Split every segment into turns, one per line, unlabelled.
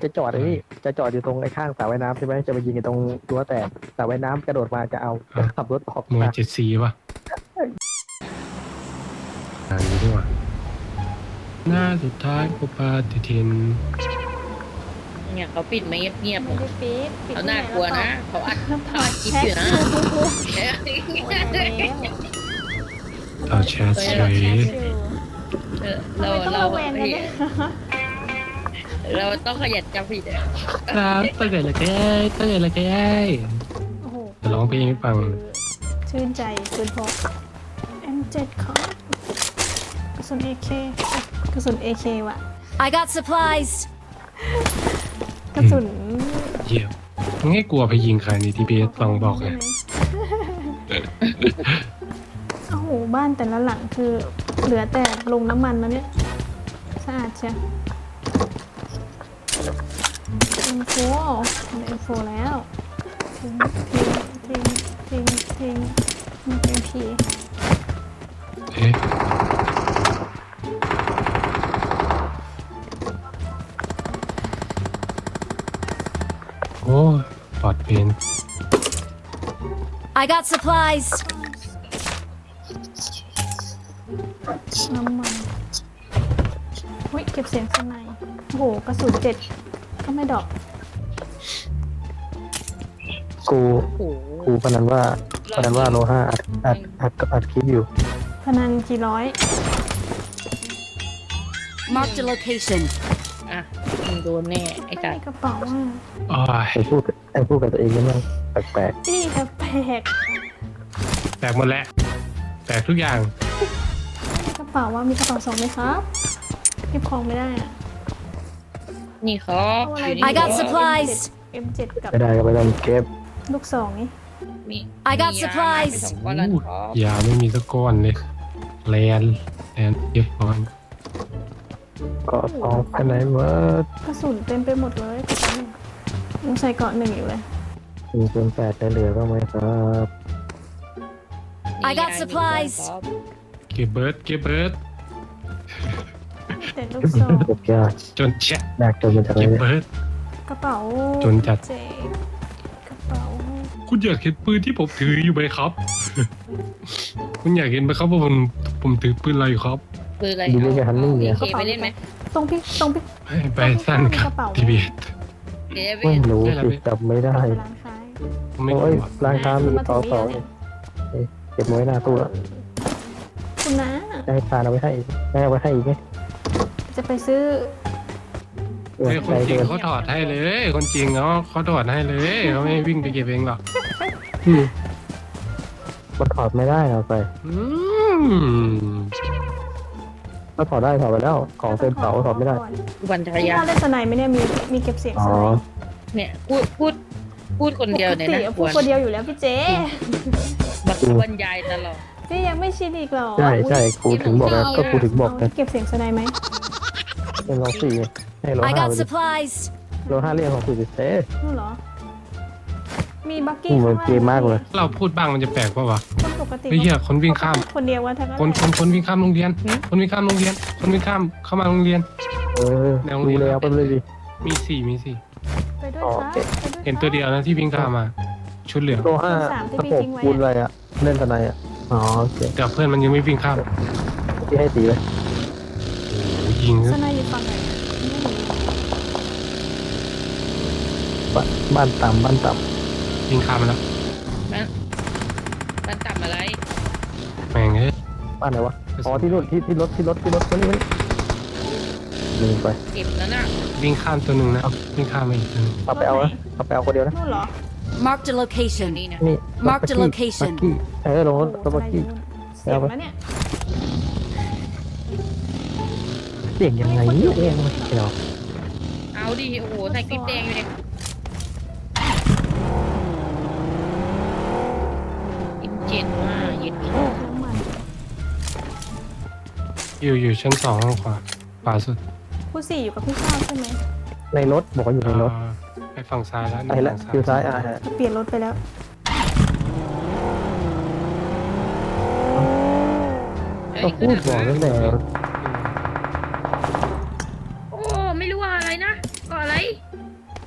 จะจอดไอ้นี่จะจอดอยู่ตรงไอ้ข้างสระว่ายน้ำใช่ไหมจะไปยิงไอ้ตรงรั้วแตกสระว่ายน้ำกระโดดมาจะเอาจะขับรถออก
หน่วย
มา
74ป่ะอยู่ดีกว่าหน้าสุดท้ายก็ปาฏิทิน
เนี่ยเขาปิดไม่เงียบ
ไม่ได้ปิด
ๆเขาน่ากลัวนะเขาอัดคลิปอยู่นะ
ต่อแชทเฉย
เรา
ต้อง
เรา
ระแวงกันเนี่ย
เราต้องขยันจำผิด
ครับตั้งแต่ละแก้ตั้งแต่ละแก้
โอ้โห
จะร้องเพลงให้ฟัง
ชื่นใจปืนพก M7 ครับกระสุน AK กระสุน AK ว่ะ
I got supplies.
กระสุน
เยี่ยมมึงให้กลัวไปยิงใครในทีพีลองบอกเลย
โอ้โหบ้านแต่ละหลังคือเหลือแต่ลงน้ำมันแล้วเนี่ยสะอาดเชียว M4 M4 แล้วทิ้งMP
เอ๊ะโอ้ยปลอดเป็น
I got supplies.
น้ำมันเฮ้ยเก็บเสียงข้างในโอ้โหกระสุน7ก็ไม่ดอก
กู
โอ้โห
กูพนันว่าโลห้าอัดคลิปอยู่
พนันกี่ร้อย
Marked a location.
อ่ะมึงโดนแน่ไอ้
ไม่
สัต
มี
ว์
กระเป๋าอ่ะ
โอ้ย
ไอ้พูดกับตัวเองนี่มันแปลก
พี่แต่แปลก
แตกหมดแล้วแตกทุกอย่าง
ไม่มีกระเป๋าว่ามีกระเป๋า2ไหมครับเก็บของไม่ได้อ่ะ
นี่ครับ
เอาอะไร
อยู่
ดี
นี่
I got supplies.
M7 กับ
ไม่ได้ก็ไม่ต้องเก็บ
ลูก2นี่
มี
I got
มียา
supplies
ไปสองก้อนแล้วครับ
ยาไม่มีสักก้อนเลยแลนเก็บก่อน
ก็ทองภายในเมื่อก
ระสุนเต็มไปหมดเลยกระสุนยังใส่เกาะ1อยู่เลย
1.8จะเหลือบ้างไหมครับ
I got supplies
เก็บเบิร์ด
แต่ลูกซอง
เก็บยาก
จนแชะ
ยากจนมันจะอะไร
เก็บ
เนี่ย
เบิร์ด
กระเป๋า
จนจัด
เจกระเป๋า
คุณอยากเห็นปืนที่ผมถืออยู่ไหมครับ คุณอยากเห็นไหมครับว่าผมถือปืนอะไรอยู่ครับ
ปืนอะไร
ดูนี่กับฮันนี่เนี่ย
เคไปเล่นไหม
ตรงพี่
ให้ไปสั้นครับทีวี
เดี๋ยวไป
ไม่
เล่น
รู้สิจำไม่ได้
ไปร้านค้า
ไม่ก
โอ้ย
ลัว
ร้านค้ามีต่อสองเก็บไว้หน้าตู้แล้ว
คุณนะ
ได้ทานเอาไว้ให้อีกได้เอาไว้ให้อีกไหม
จะไปซื้อ
เออ
เฮ้ยคน
ใจ
จริง
เกิน
เขาถอดให้เลย คนจริงเขาถอดให้เลยเขาไม่วิ่งไปเก็บเองหรอก
มันถอดไม่ได้เอาไป
อืม
ถ้าถอดได้ถอดไปแล้ว ของเต็มเป๋าถอดไม่ได้
วันจักร
พี่
ยาน
ว่าเล่นสไนด์ไหมเนี่ยมีเก็บเสียง
อ๋
ส
อ
ไนด์
เนี่ยพูดคนเดียวเนี่ย
ปก
นะ
ติพูดคนเดียวอยู่แล้วพี่เจ
บักบรรยายตลอด
พี่ยังไม่ชินอีกเหรอ
ใช่ใช่ครูถึงบอกนะก็ครูถึงบอก
เอา
นะ
เก็บเสียงสไนด์ไหม
เป็นโลสี่ให้โล
I
ห้า
got
ไปดิ
supplies.
โลห้าเรียกของสี่สิบเต้
นู่นเหรอ มีบัก
นี่
กี้
มันเกมมากเลย
เราพูดบ้างมันจะแปลกป่าวะ
คนปกติ
เฮ้ยเหี้ยคนวิ่งข้าม
คนเดียวว่าทั้งนั้น
คนวิ่งข้ามโรงเรียน คนวิ่งข้ามโรงเรียน คนวิ่งข้ามเข้ามาโรงเรียน
เออดูแล้วไปเลยดิ
มีสี่
ไปด้วย
อ๋อ
ครับ
โอเค
ไปด้วย
เห็นตัวเดียวนะที่วิ่งข้ามมา ชุดเหลือง
โลห้าตะโขบคูณอะไรอ่ะ เล่นทนายอ่ะ อ๋อโอเค
แต่เพื่อนมันยังไม่วิ่งข้าม
ที่ให้ตีเลย
โอ้โหยิง
สไนด์อยู่ฝั่งไหนไม่มี
บ้านต่ำบ้านต่
ยิงข้ามมาแล้ว
มันต่ำอะไร
แม่งเอ้ย
ำบ้านไหนวะ อ๋อที่นู่นที่รถมานี่ลืมไป
เก็บแล้วน่ะ
วิ่งข้ามตัวหนึ่งนะวิ่งข้ามมาอีกตัวหนึง
เอาไปเอานะเอาไปเอาคนเดียวนะ
นู่นเหรอ
Marked a
อยู่
location.
นี่นะ
นี่
Mark the
บัก
location
กี้ลงรถ
โอ้โห
บักกี้
สไนด์อยู่นู่นเสียงแล้วเนี่ย
เสียงยังไงเนี่ยเองไม่เนาะ
เอาดิโอ้โหใส่คลิปแดงอยู่เลยอินเจ็ดมายึด
น้ำมัน
อยู่ชั้น2ข้างขวาสุด
ผู้สี่อยู่กับพี่ข้าวใช่ไหม
ในรถบอกว่าอยู่ในรถ
ไปฝั่งซ้ายแล้ว
ไปแล้วอยู่ซ้ายอ่ะ
เปลี่ยนรถไปแล้ว
ก็พูดบอกตั้งแต่
โอ้ไม่รู้ว่าอะไรนะก็อะไร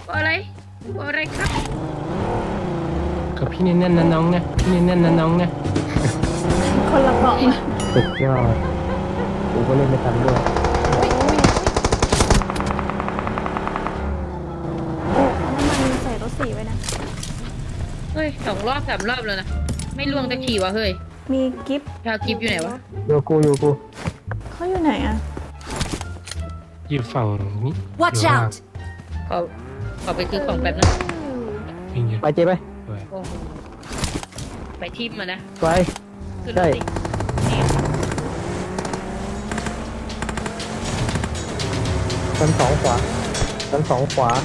อะไรอะไรครับ
กับพี่แน่นๆนะน้องนะพี่แน่นๆนะน้องนะ
คนละเกาะนะ
สุดยอดกูก็เล่นไม่ทันด้วย
น้ำมันใส่รถสีไว้นะ
เฮ้ย2 รอบ 3 รอบแล้วนะไม่ล่วงตะขี่วะเฮ้ย
มีกิฟต์
ชาวกิฟอยู่ไหนวะ
อยู่กูอยู่กู
เขาอยู่ไหนอะ
อยู่ฝั่งนี้
Watch
อยู่ข้างล่าง
out!
ขอไปซื้อของแป๊บนึง
วิ่งอยู่
ไปเจ๊ไป
ด้วย
โอ้โหไปทิมมานะ
ไป
ขึ้นร
ใช่
ถสินี่
ชั้นสองขวาชั้นสองขวา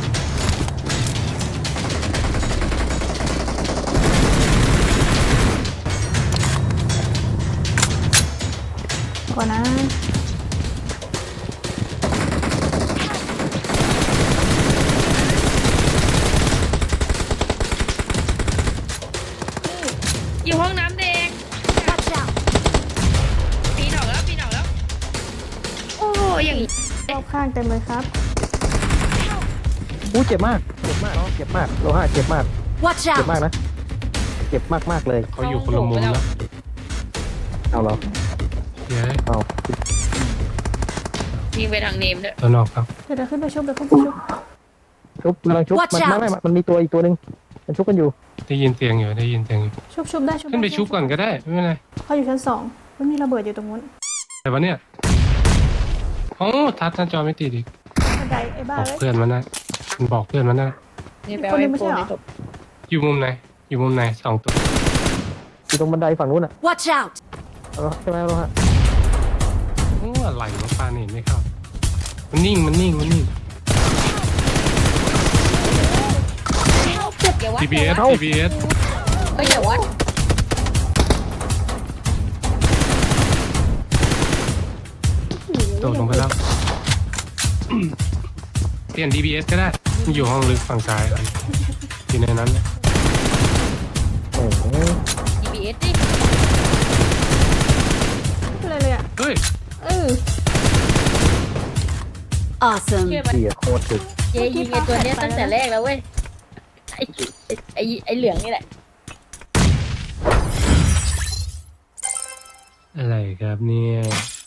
ก่อนนะ
อยู่ห้องน้ำแดง
Watch out!
ปีนออกแล้ว โอ้อย่างนี้
รอบข้างเต็มเลยครับ
อู้เจ็บมากเจ็บมากเจ็บมากโลหะเจ็บมาก
Watch
เจ็บมาก
out!
นะเจ็บมากเลย
เขาอยู่คนละมุมแล้ว
เอาเหรอ
เดี๋ยว
เอา
ยิงไปทางเนมด้วย
ตัวนอกครับ
เดี๋ยวขึ้นไปชุบเดี๋ยวขึ้นไปชุบ
ชุบกำลังชุบ
Watch
มัน
out
ไม่มันมีตัวอีกตัวหนึ่งมันชุบกันอยู่
ได้ยินเสียงอยู่ได้ยินเสียงอยู่
ชุบได้ชุบ
ขึ้นไป
ด้
ชุบก่อนก็ได้ไม่เป็นไร
เขาอยู่ชั้น2ไม่มีระเบิดอยู่ตรงนู้น
แต่วันเนี้ยโอ้ทัดหน้าจอไม่ติดอีก
บันไดไอ้บ้า
บอก
เลย
เพื่อนมันนะมันบอกเพื่อนมันนะ
นี่แปลว่าไอ้โฟนไม่ตก
อยู่มุมไหนอยู่มุมไหน2 ตัว
อยู่ตรงบันไดฝั่งนู้นอ่ะ
Watch out!
เอาละใช่ไหมโลหะ
โอ้อะไรวะปลาเห็นไม่เข้ามันนิ่งมันนิ่ง
อย่าวัด
TBS TBS
เฮ้ยอย่าวัด
โดดลงไปแล้ว เปลี่ยน DBS ก็ได้มันอยู่ห้องลึกฝั่งซ้ายครับอยู่ในนั้นเนี่ย
โอ้โห
DBS ดิ
ไม่เป็นไรเลยอะ
เฮ้ย
Awesome!
เชื่อปะ
เสียโคตรถึก
เย้ยิงไอ้ตัวเนี้ยตั้งแต่แรกแล้วเว้ยไอ้เหลืองนี่แหละ
อะไรครับเนี่ย